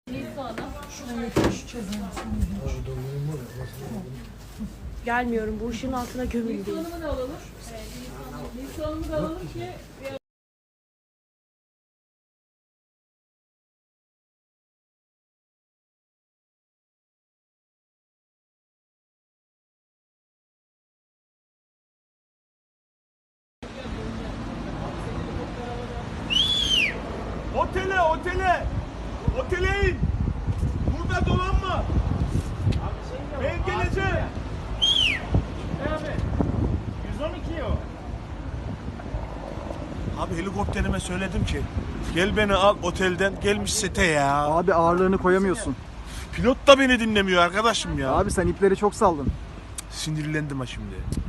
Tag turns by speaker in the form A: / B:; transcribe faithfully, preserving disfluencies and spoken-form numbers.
A: Gelmiyorum. Bu ışığın altına gömüldüm.
B: Nilsu Hanım'ı da alalım. Nilsu Hanım'ı da alalım ki
C: Otele, otele! Otele in! Burada dolanma! Ben geleceğim!
D: yüz on iki o.
C: Abi helikopterime söyledim ki gel beni al otelden, gelmiş sete ya.
E: Abi ağırlığını koyamıyorsun.
C: Pilot da beni dinlemiyor arkadaşım ya.
E: Abi sen ipleri çok saldın.
C: Sinirlendim ha şimdi.